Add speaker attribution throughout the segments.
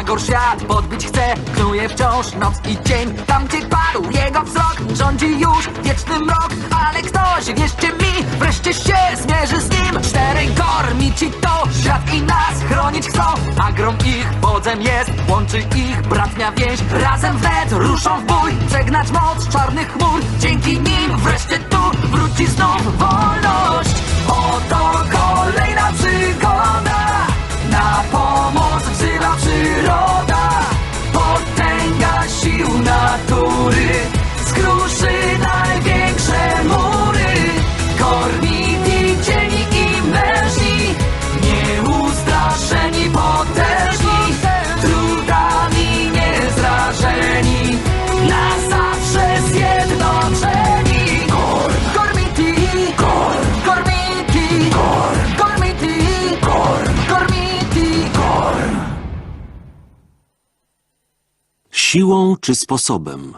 Speaker 1: Magor świat podbić chce, knuje wciąż noc i dzień. Tam gdzie padł jego wzrok, rządzi już wieczny mrok. Ale ktoś, wierzcie mi, wreszcie się zmierzy z nim. Czterej gormici to świat i nas chronić chcą. Agrom ich wodzem jest, łączy ich bratnia więź. Razem wnet ruszą w bój, przegnać moc czarnych chmur. Dzięki nim wreszcie tu wróci znów wolność. Oto kolejna przygoda, na pomoc wzywa przyroda. Potęga sił natury skruszy największe mury. Gormiti, cieni i mężni, nieustraszeni, potężni, trudami niezrażeni, na zawsze zjednoczeni. Gormiti, Gormiti, Gormiti, Gormiti.
Speaker 2: Siłą czy sposobem?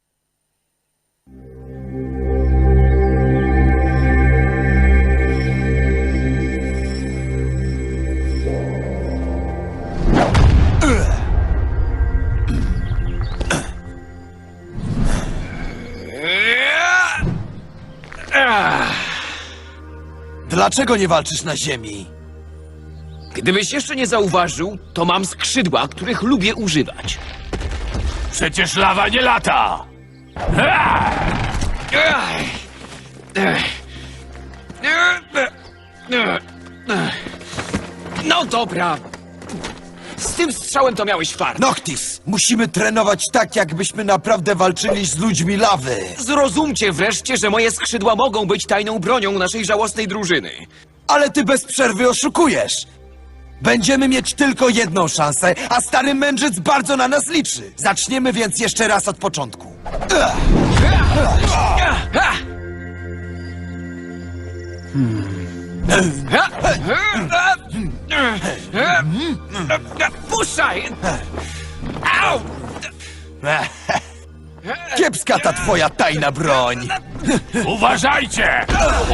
Speaker 3: Dlaczego nie walczysz na ziemi?
Speaker 4: Gdybyś jeszcze nie zauważył, to mam skrzydła, których lubię używać.
Speaker 5: Przecież lawa nie lata!
Speaker 4: No dobra. Z tym strzałem to miałeś fart.
Speaker 3: Noctis, musimy trenować tak, jakbyśmy naprawdę walczyli z ludźmi lawy.
Speaker 4: Zrozumcie wreszcie, że moje skrzydła mogą być tajną bronią naszej żałosnej drużyny.
Speaker 3: Ale ty bez przerwy oszukujesz. Będziemy mieć tylko jedną szansę, a stary mędrzec bardzo na nas liczy. Zaczniemy więc jeszcze raz od początku.
Speaker 4: Puszczaj! Au!
Speaker 3: Kiepska ta twoja tajna broń.
Speaker 5: Uważajcie!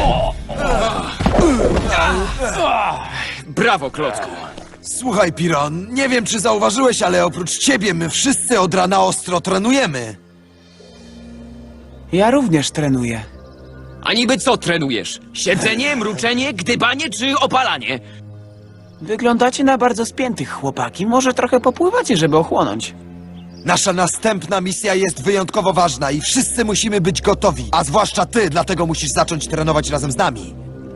Speaker 4: Brawo, Klocku.
Speaker 3: Słuchaj, Piron, nie wiem czy zauważyłeś, ale oprócz ciebie my wszyscy od rana ostro trenujemy.
Speaker 6: Ja również trenuję.
Speaker 4: A niby co trenujesz? Siedzenie, mruczenie, gdybanie czy opalanie?
Speaker 6: Wyglądacie na bardzo spiętych, chłopaki. Może trochę popływacie, żeby ochłonąć.
Speaker 3: Nasza następna misja jest wyjątkowo ważna i wszyscy musimy być gotowi. A zwłaszcza ty, dlatego musisz zacząć trenować razem z nami.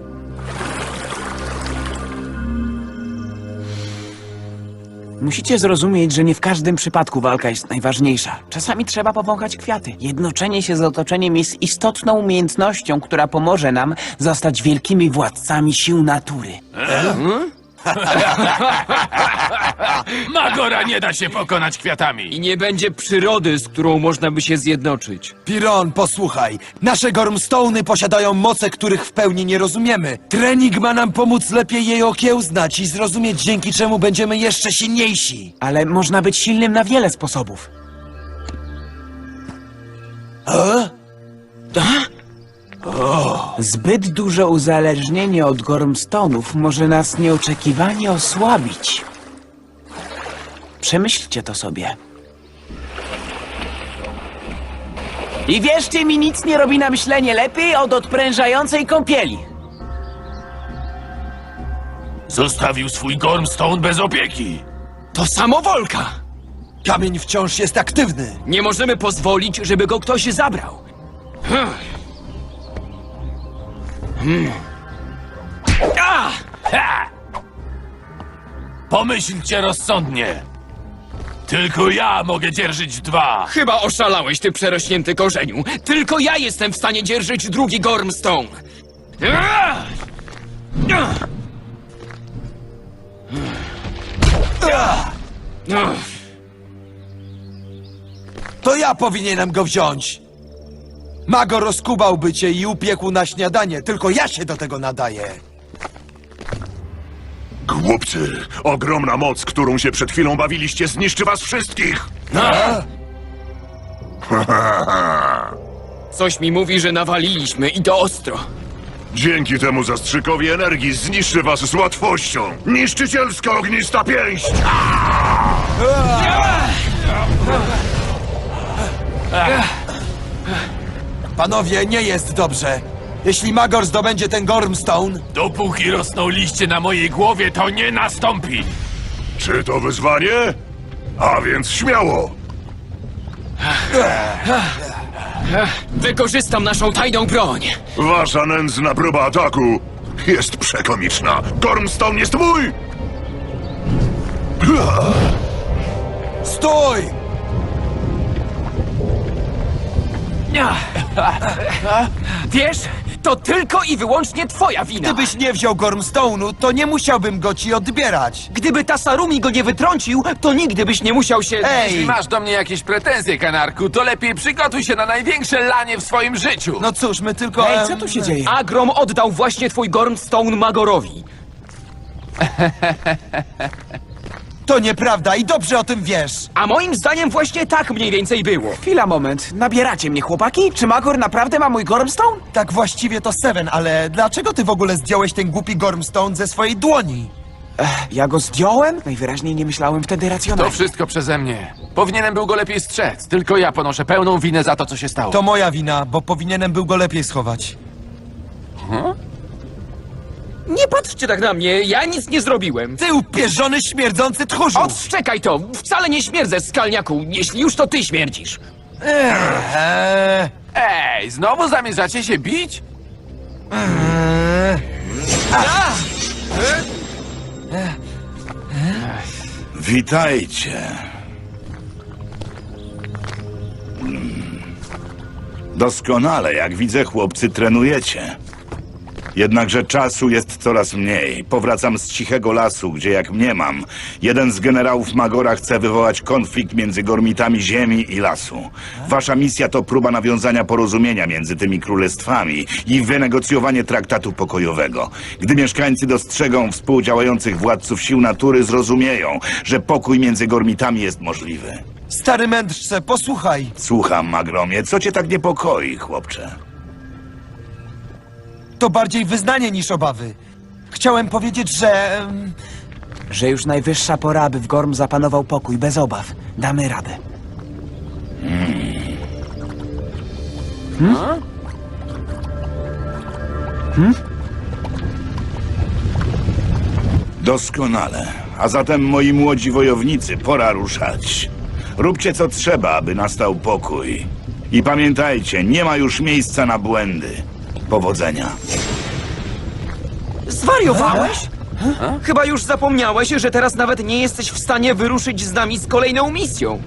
Speaker 6: Musicie zrozumieć, że nie w każdym przypadku walka jest najważniejsza. Czasami trzeba powąchać kwiaty. Jednoczenie się z otoczeniem jest istotną umiejętnością, która pomoże nam zostać wielkimi władcami sił natury.
Speaker 5: Magora nie da się pokonać kwiatami!
Speaker 4: I nie będzie przyrody, z którą można by się zjednoczyć.
Speaker 3: Piron, posłuchaj. Nasze Gormstone'y posiadają moce, których w pełni nie rozumiemy. Trening ma nam pomóc lepiej jej okiełznać i zrozumieć, dzięki czemu będziemy jeszcze silniejsi.
Speaker 6: Ale można być silnym na wiele sposobów. Zbyt duże uzależnienie od Gormstonów może nas nieoczekiwanie osłabić. Przemyślcie to sobie. I wierzcie mi, nic nie robi na myślenie lepiej od odprężającej kąpieli.
Speaker 5: Zostawił swój Gormstone bez opieki!
Speaker 4: To samowolka!
Speaker 3: Kamień wciąż jest aktywny.
Speaker 4: Nie możemy pozwolić, żeby go ktoś zabrał.
Speaker 5: Ha! Pomyślcie rozsądnie! Tylko ja mogę dzierżyć dwa!
Speaker 4: Chyba oszalałeś, ty przerośnięty korzeniu. Tylko ja jestem w stanie dzierżyć drugi Gormstone.
Speaker 3: To ja powinienem go wziąć. Mago rozkubałby cię i upiekł na śniadanie, tylko ja się do tego nadaję.
Speaker 7: Głupcy, ogromna moc, którą się przed chwilą bawiliście, zniszczy was wszystkich!
Speaker 4: Coś mi mówi, że nawaliliśmy i to ostro.
Speaker 7: Dzięki temu zastrzykowi energii zniszczy was z łatwością! Niszczycielska ognista pięść!
Speaker 3: Panowie, nie jest dobrze. Jeśli Magor zdobędzie ten Gormstone,
Speaker 5: Dopóki rosną liście na mojej głowie, to nie nastąpi.
Speaker 7: Czy to wyzwanie? A więc śmiało!
Speaker 4: Wykorzystam naszą tajną broń.
Speaker 7: Wasza nędzna próba ataku jest przekomiczna. Gormstone jest mój!
Speaker 3: stój!
Speaker 4: Wiesz, to tylko i wyłącznie twoja wina.
Speaker 3: Gdybyś nie wziął Gormstone'u, to nie musiałbym go ci odbierać.
Speaker 4: Gdyby Tasarumi go nie wytrącił, to nigdy byś nie musiał się...
Speaker 3: Ej!
Speaker 2: Masz do mnie jakieś pretensje, kanarku, to lepiej przygotuj się na największe lanie w swoim życiu.
Speaker 3: No cóż, my tylko...
Speaker 6: Ej, co tu się dzieje?
Speaker 4: Agrom oddał właśnie twój Gormstone Magorowi.
Speaker 3: To nieprawda i dobrze o tym wiesz.
Speaker 4: A moim zdaniem właśnie tak mniej więcej było.
Speaker 6: Chwila, moment. Nabieracie mnie, chłopaki? Czy Magor naprawdę ma mój Gormstone?
Speaker 3: Tak właściwie to Seven, ale dlaczego ty w ogóle zdjąłeś ten głupi Gormstone ze swojej dłoni?
Speaker 6: Ja go zdjąłem? Najwyraźniej nie myślałem wtedy
Speaker 2: To
Speaker 6: racjonalnie.
Speaker 2: wszystko przeze mnie. Powinienem był go lepiej strzec. Tylko ja ponoszę pełną winę za to, co się stało.
Speaker 3: To moja wina, bo powinienem był go lepiej schować.
Speaker 4: Nie patrzcie tak na mnie, ja nic nie zrobiłem.
Speaker 3: Ty upierzony, śmierdzący tchórzu!
Speaker 4: Odszczekaj to! Wcale nie śmierdzę, skalniaku, jeśli już to ty śmierdzisz.
Speaker 2: Ej, znowu zamierzacie się bić?
Speaker 8: Witajcie. Doskonale, jak widzę, chłopcy trenujecie. Jednakże czasu jest coraz mniej. Powracam z cichego lasu, gdzie jak mniemam, jeden z generałów Magora chce wywołać konflikt między gormitami ziemi i lasu. Wasza misja to próba nawiązania porozumienia między tymi królestwami i wynegocjowanie traktatu pokojowego. Gdy mieszkańcy dostrzegą współdziałających władców sił natury, zrozumieją, że pokój między gormitami jest możliwy.
Speaker 3: Stary mędrcze, posłuchaj.
Speaker 8: Słucham, Magromie, co cię tak niepokoi, chłopcze?
Speaker 3: To bardziej wyznanie niż obawy. Chciałem powiedzieć, że...
Speaker 6: Że już najwyższa pora, aby w Gorm zapanował pokój, bez obaw. Damy radę.
Speaker 8: Doskonale. A zatem, moi młodzi wojownicy, pora ruszać. Róbcie co trzeba, aby nastał pokój. I pamiętajcie, nie ma już miejsca na błędy. Powodzenia.
Speaker 4: Zwariowałeś? Chyba już zapomniałeś, że teraz nawet nie jesteś w stanie wyruszyć z nami z kolejną misją.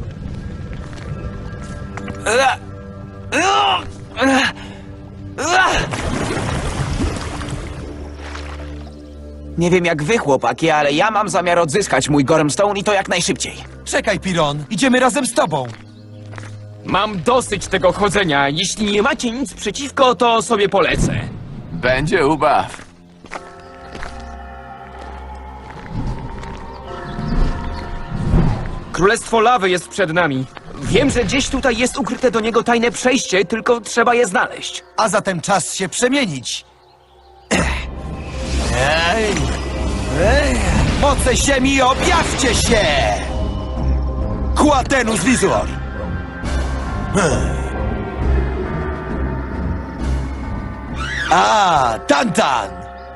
Speaker 6: Nie wiem jak wy, chłopaki, ale ja mam zamiar odzyskać mój Gormstone i to jak najszybciej.
Speaker 3: Czekaj, Piron, idziemy razem z tobą.
Speaker 4: Mam dosyć tego chodzenia. Jeśli nie macie nic przeciwko, to sobie polecę.
Speaker 2: Będzie ubaw.
Speaker 4: Królestwo Lawy jest przed nami. Wiem, że gdzieś tutaj jest ukryte do niego tajne przejście, tylko trzeba je znaleźć.
Speaker 3: A zatem czas się przemienić. Moce ziemi, objawcie się! Quatenus Visor! A, Tantan!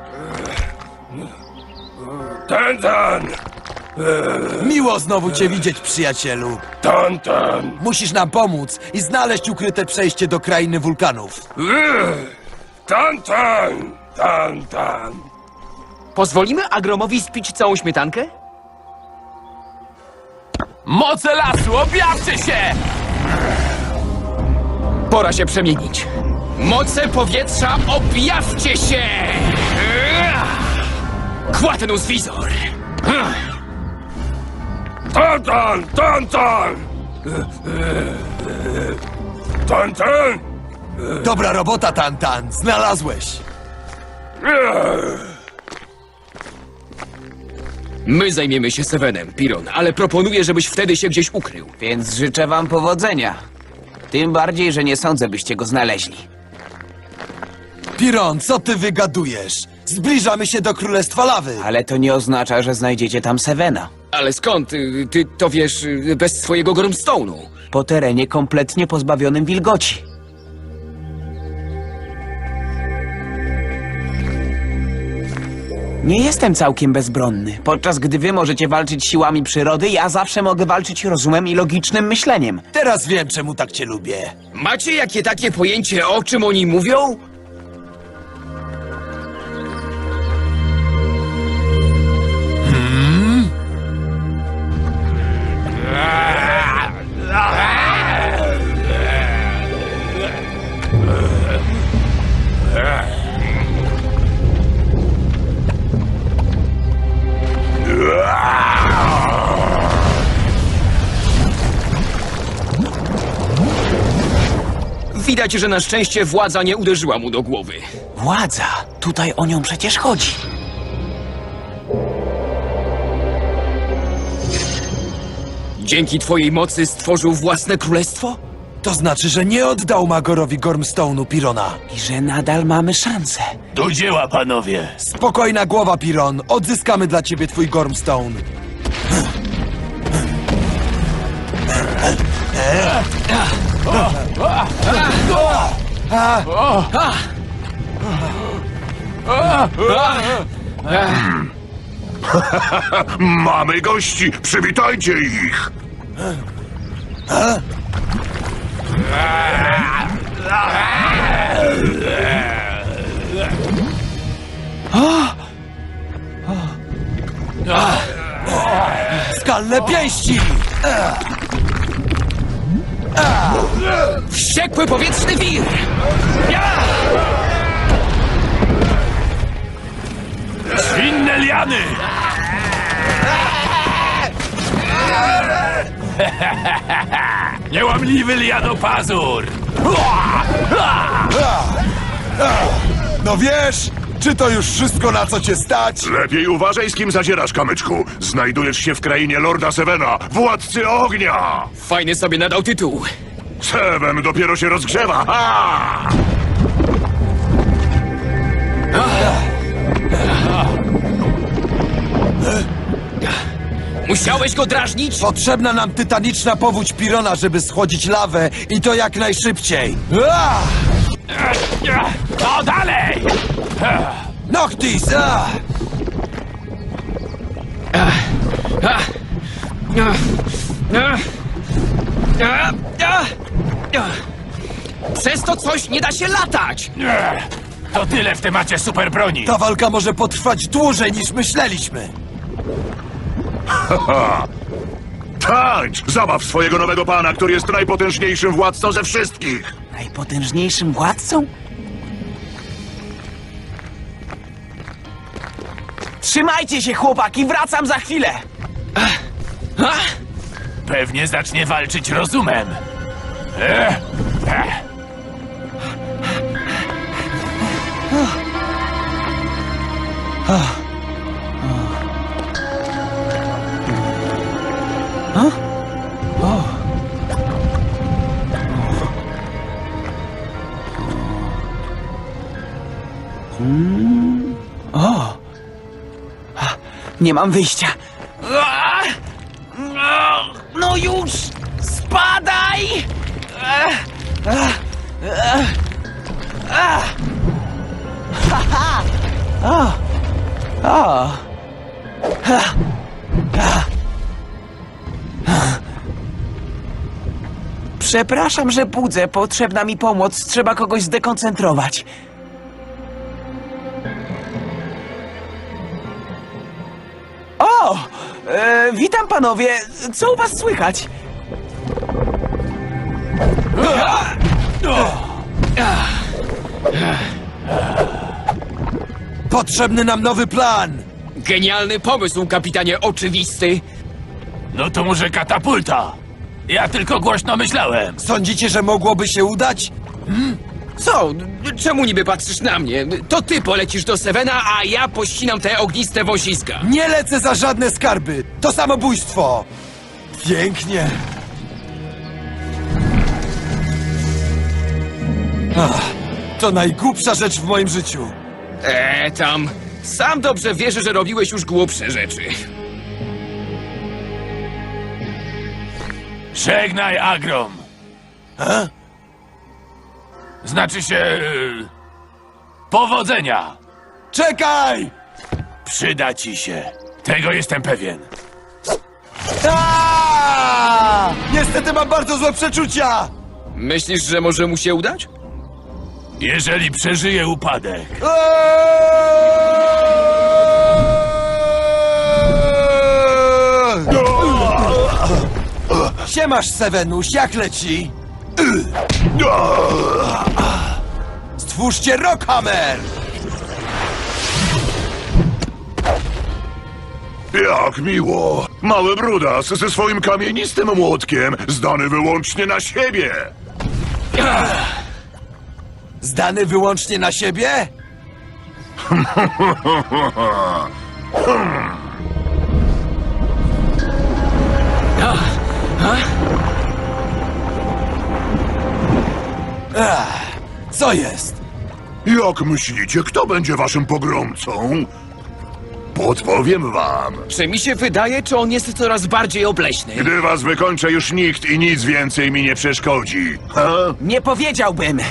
Speaker 5: Tantan!
Speaker 3: Miło znowu cię widzieć, przyjacielu.
Speaker 5: Tantan!
Speaker 3: Musisz nam pomóc i znaleźć ukryte przejście do krainy wulkanów.
Speaker 5: Tantan! Tantan!
Speaker 4: Pozwolimy Agromowi spić całą śmietankę?
Speaker 2: Moce lasu, objawcie się!
Speaker 4: Pora się przemienić. Moce powietrza, objawcie się! Quatenus Visor!
Speaker 5: Tantan! Tantan! Tantan!
Speaker 3: Dobra robota, Tantan. Znalazłeś.
Speaker 4: My zajmiemy się Sevenem, Piron, ale proponuję, żebyś wtedy się gdzieś ukrył.
Speaker 6: Więc życzę wam powodzenia. Tym bardziej, że nie sądzę, byście go znaleźli.
Speaker 3: Piron, co ty wygadujesz? Zbliżamy się do Królestwa Lawy.
Speaker 6: Ale to nie oznacza, że znajdziecie tam Sevena.
Speaker 4: Ale skąd? Ty to wiesz bez swojego Gormstone'u.
Speaker 6: Po terenie kompletnie pozbawionym wilgoci. Nie jestem całkiem bezbronny. Podczas gdy wy możecie walczyć siłami przyrody, ja zawsze mogę walczyć rozumem i logicznym myśleniem.
Speaker 3: Teraz wiem, czemu tak cię lubię.
Speaker 4: Macie jakie takie pojęcie, o czym oni mówią? Widać, że na szczęście władza nie uderzyła mu do głowy.
Speaker 6: Władza! Tutaj o nią przecież chodzi.
Speaker 4: Dzięki twojej mocy stworzył własne królestwo?
Speaker 3: To znaczy, że nie oddał Magorowi Gormstone'u, Pirona.
Speaker 6: I że nadal mamy szansę.
Speaker 5: Do dzieła, panowie!
Speaker 3: Spokojna głowa, Piron. Odzyskamy dla ciebie twój Gormstone.
Speaker 7: Mamy gości, przywitajcie ich!
Speaker 3: Skalne pięści!
Speaker 4: Wściekły powietrzny wir!
Speaker 5: Zwinne liany! Niełamliwy lianopazur!
Speaker 3: No wiesz, czy to już wszystko, na co cię stać?
Speaker 7: Lepiej uważaj, z kim zadzierasz, kamyczku. Znajdujesz się w krainie Lorda Sevena, władcy ognia!
Speaker 4: Fajny sobie nadał tytuł.
Speaker 7: Seven dopiero się rozgrzewa! Ha!
Speaker 4: Musiałeś go drażnić?
Speaker 3: Potrzebna nam tytaniczna powódź Pirona, żeby schłodzić lawę i to jak najszybciej.
Speaker 5: No dalej!
Speaker 3: Noctis!
Speaker 4: Przez to coś nie da się latać!
Speaker 5: To tyle w temacie super broni.
Speaker 3: Ta walka może potrwać dłużej niż myśleliśmy.
Speaker 7: Tańcz! Zabaw swojego nowego pana, który jest najpotężniejszym władcą ze wszystkich!
Speaker 6: Najpotężniejszym władcą? Trzymajcie się, chłopaki, wracam za chwilę!
Speaker 5: Pewnie zacznie walczyć rozumem.
Speaker 6: Nie mam wyjścia. No już! Spadaj! Przepraszam, że budzę. Potrzebna mi pomoc. Trzeba kogoś zdekoncentrować. O! Witam panowie. Co u was słychać?
Speaker 3: Potrzebny nam nowy plan.
Speaker 4: Genialny pomysł, kapitanie oczywisty.
Speaker 5: No to może katapulta. Ja tylko głośno myślałem.
Speaker 3: Sądzicie, że mogłoby się udać?
Speaker 4: Co? Czemu niby patrzysz na mnie? To ty polecisz do Sevena, a ja pościnam te ogniste wąsiska.
Speaker 3: Nie lecę za żadne skarby. To samobójstwo. Pięknie. To najgłupsza rzecz w moim życiu.
Speaker 4: Tam. Sam dobrze wiesz, że robiłeś już głupsze rzeczy.
Speaker 5: Żegnaj, Agrom. Znaczy się... powodzenia.
Speaker 3: Czekaj!
Speaker 5: Przyda ci się. Tego jestem pewien.
Speaker 3: Niestety mam bardzo złe przeczucia!
Speaker 4: Myślisz, że może mu się udać?
Speaker 5: Jeżeli przeżyję upadek,
Speaker 3: Siemasz, Sevenuś, jak leci? Stwórzcie Rockhammer!
Speaker 7: Jak miło! Mały brudas ze swoim kamienistym młotkiem, zdany wyłącznie na siebie!
Speaker 3: Zdany wyłącznie na siebie? Co jest?
Speaker 7: Jak myślicie, kto będzie waszym pogromcą? Podpowiem wam.
Speaker 4: Czy mi się wydaje, czy on jest coraz bardziej obleśny?
Speaker 7: Gdy was wykończę, już nikt i nic więcej mi nie przeszkodzi. Ha?
Speaker 6: Nie powiedziałbym.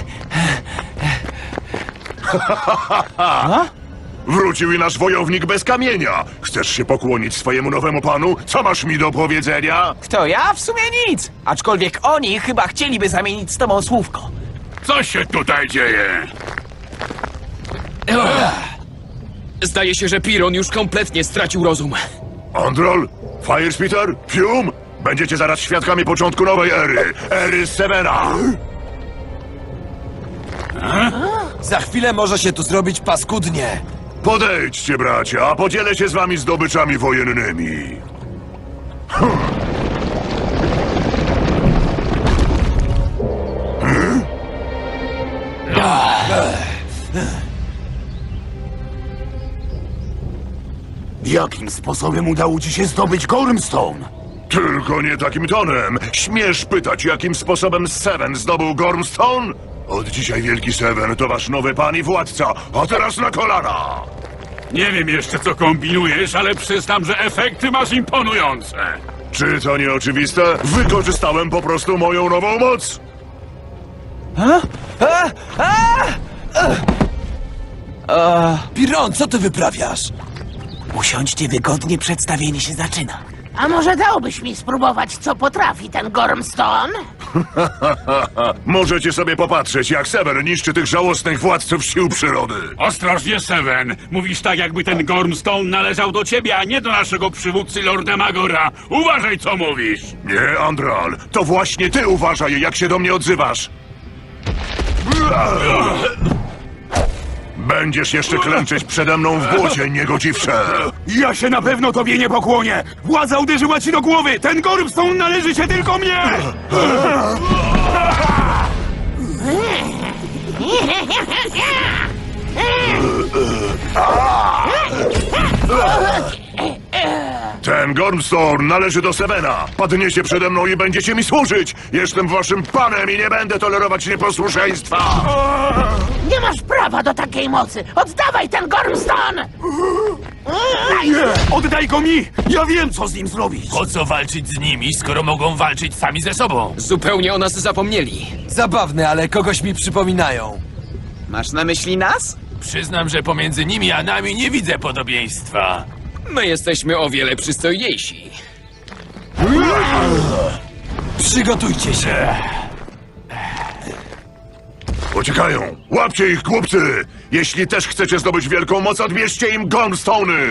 Speaker 7: Wrócił i nasz wojownik bez kamienia. Chcesz się pokłonić swojemu nowemu panu? Co masz mi do powiedzenia?
Speaker 6: Kto ja? W sumie nic. Aczkolwiek oni chyba chcieliby zamienić z tobą słówko.
Speaker 5: co się tutaj dzieje?
Speaker 4: Zdaje się, że Piron już kompletnie stracił rozum.
Speaker 7: Androl? Firespitter? Fume? Będziecie zaraz świadkami początku nowej ery. Ery Severa.
Speaker 3: Za chwilę może się tu zrobić paskudnie.
Speaker 7: Podejdźcie, bracia, a podzielę się z wami zdobyczami wojennymi.
Speaker 5: Jakim sposobem udało ci się zdobyć Gormstone?
Speaker 7: Tylko nie takim tonem. Śmiesz pytać, jakim sposobem Seven zdobył Gormstone? Od dzisiaj Wielki Seven to wasz nowy pan i władca, a teraz na kolana!
Speaker 5: Nie wiem jeszcze, co kombinujesz, ale przyznam, że efekty masz imponujące.
Speaker 7: Czy to nie oczywiste? Wykorzystałem po prostu moją nową moc!
Speaker 3: Piron, co ty wyprawiasz?
Speaker 6: Usiądźcie wygodnie, przedstawienie się zaczyna.
Speaker 9: A może dałbyś mi spróbować, co potrafi ten Gormstone?
Speaker 7: Możecie sobie popatrzeć, jak Sever niszczy tych żałosnych władców sił przyrody.
Speaker 5: Ostrożnie, Seven. Mówisz tak, jakby ten Gormstone należał do ciebie, a nie do naszego przywódcy Lorda Magora. Uważaj, co mówisz.
Speaker 7: Nie, Andral, to właśnie ty uważaj, jak się do mnie odzywasz. Będziesz jeszcze klęczeć przede mną w błocie, niegodziwcze.
Speaker 5: Ja się na pewno tobie nie pokłonię. Władza uderzyła ci do głowy. Ten Gormstone należy się tylko mnie.
Speaker 7: Ten Gormstone należy do Sevena. Padniecie przede mną i będziecie mi służyć. Jestem waszym panem i nie będę tolerować nieposłuszeństwa.
Speaker 9: Nie masz prawa do takiej mocy! Oddawaj ten Gormstone!
Speaker 5: Oddaj go mi! Ja wiem, co z nim zrobić! Po co walczyć z nimi, skoro mogą walczyć sami ze sobą?
Speaker 4: Zupełnie o nas zapomnieli.
Speaker 3: Zabawne, ale kogoś mi przypominają.
Speaker 6: Masz na myśli nas?
Speaker 5: Przyznam, że pomiędzy nimi a nami nie widzę podobieństwa.
Speaker 4: My jesteśmy o wiele przystojniejsi.
Speaker 3: Przygotujcie się.
Speaker 7: Uciekają! Łapcie ich, głupcy! Jeśli też chcecie zdobyć wielką moc, odbierzcie im Gormstone'y!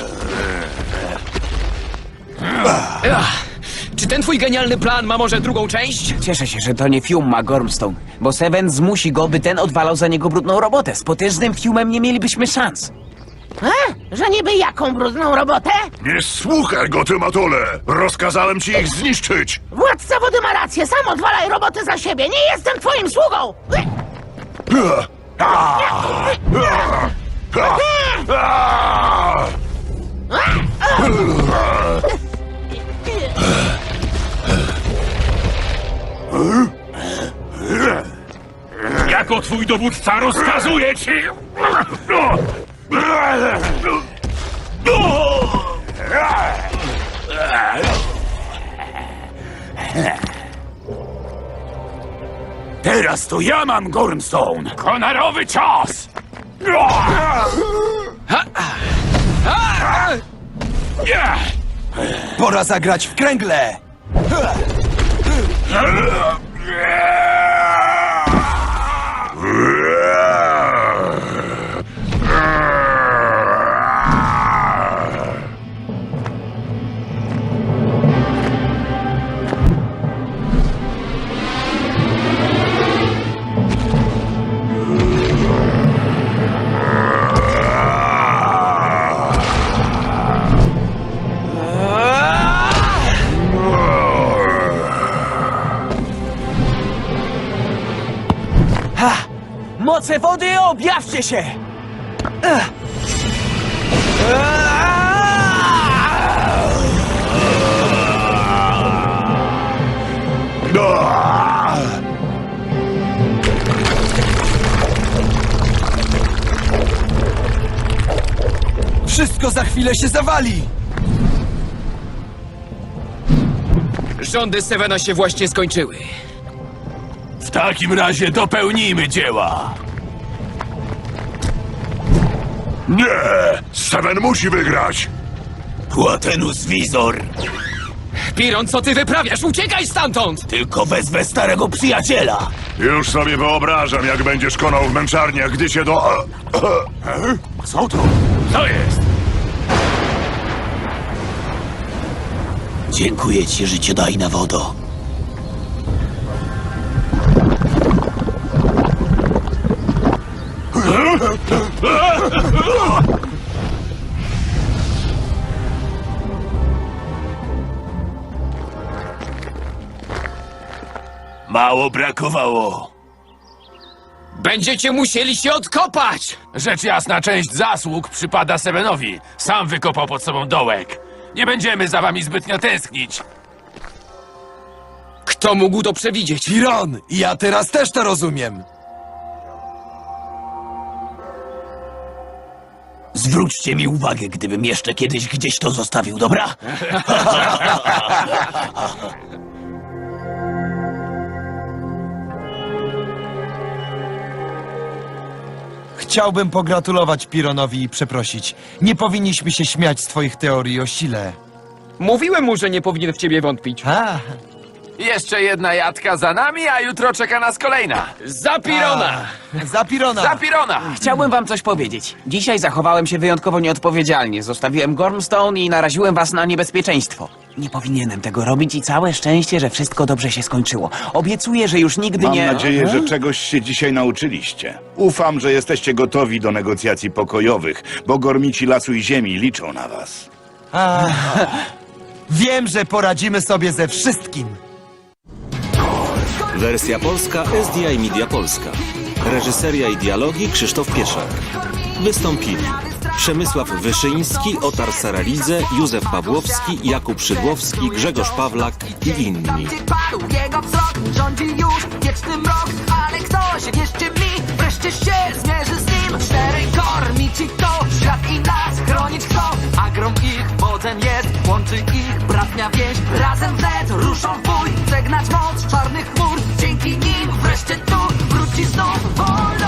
Speaker 4: Czy ten twój genialny plan ma może drugą część?
Speaker 6: Cieszę się, że to nie Fium ma Gormstone, bo Seven zmusi go, by ten odwalał za niego brudną robotę. Z potężnym Fiumem nie mielibyśmy szans.
Speaker 9: Że niby jaką brudną robotę?
Speaker 7: Nie słuchaj go, ty matole! Rozkazałem ci ich zniszczyć!
Speaker 9: Władca wody ma rację, sam odwalaj roboty za siebie, nie jestem twoim sługą!
Speaker 5: Jako twój dowódca rozkazuję ci! Teraz to ja mam Gormstone! Konarowy cios!
Speaker 3: Pora zagrać w kręgle!
Speaker 6: Moce wody, objawcie się!
Speaker 3: Wszystko za chwilę się zawali!
Speaker 4: Rządy Sevena się właśnie skończyły.
Speaker 2: W takim razie dopełnijmy dzieła.
Speaker 7: Nie! Seven musi wygrać!
Speaker 8: Płatenus Wizor!
Speaker 4: Piron, co ty wyprawiasz? Uciekaj stamtąd!
Speaker 8: Tylko wezwę starego przyjaciela!
Speaker 7: Już sobie wyobrażam, jak będziesz konał w męczarniach, gdy się do...
Speaker 5: Co to? Co jest?
Speaker 8: Dziękuję ci, życiodajna wodo. Mało brakowało.
Speaker 4: Będziecie musieli się odkopać!
Speaker 2: Rzecz jasna, część zasług przypada Sevenowi. Sam wykopał pod sobą dołek. Nie będziemy za wami zbytnio tęsknić.
Speaker 4: Kto mógł to przewidzieć?
Speaker 3: Piron, ja teraz też to rozumiem.
Speaker 8: Zwróćcie mi uwagę, gdybym jeszcze kiedyś gdzieś to zostawił, dobra?
Speaker 3: Chciałbym pogratulować Pironowi i przeprosić. Nie powinniśmy się śmiać z twoich teorii o sile.
Speaker 4: Mówiłem mu, że nie powinien w ciebie wątpić.
Speaker 3: A,
Speaker 2: Jeszcze jedna jadka za nami, a jutro czeka nas kolejna.
Speaker 4: Za Pirona!
Speaker 3: za Pirona!
Speaker 2: Za Pirona!
Speaker 6: Chciałbym wam coś powiedzieć. Dzisiaj zachowałem się wyjątkowo nieodpowiedzialnie. Zostawiłem Gormstone i naraziłem was na niebezpieczeństwo. Nie powinienem tego robić i całe szczęście, że wszystko dobrze się skończyło. Obiecuję, że już nigdy
Speaker 8: Mam
Speaker 6: nie...
Speaker 8: nadzieję, że czegoś się dzisiaj nauczyliście. Ufam, że jesteście gotowi do negocjacji pokojowych, bo gormici lasu i ziemi liczą na was.
Speaker 3: Wiem, że poradzimy sobie ze wszystkim.
Speaker 10: Wersja polska SDI Media Polska. Reżyseria i dialogi Krzysztof Pieszak. Wystąpili Przemysław Wyszyński, Otar Saralidze, Józef Pawłowski, Jakub Szydłowski, Grzegorz Pawlak i inni.
Speaker 1: Tam, gdzie padł jego wzrok, rządzi już wieczny mrok. Ale ktoś, wierzcie mi, wreszcie się zmierzy z nim. 4 kormici to świat i nas chronić chcą. A grom ich wodzem jest, łączy ich bratnia więź. Razem wnet ruszą w bój, żegnać moc czarnych chmur. Dzięki nim wreszcie tu wróci znów wolność.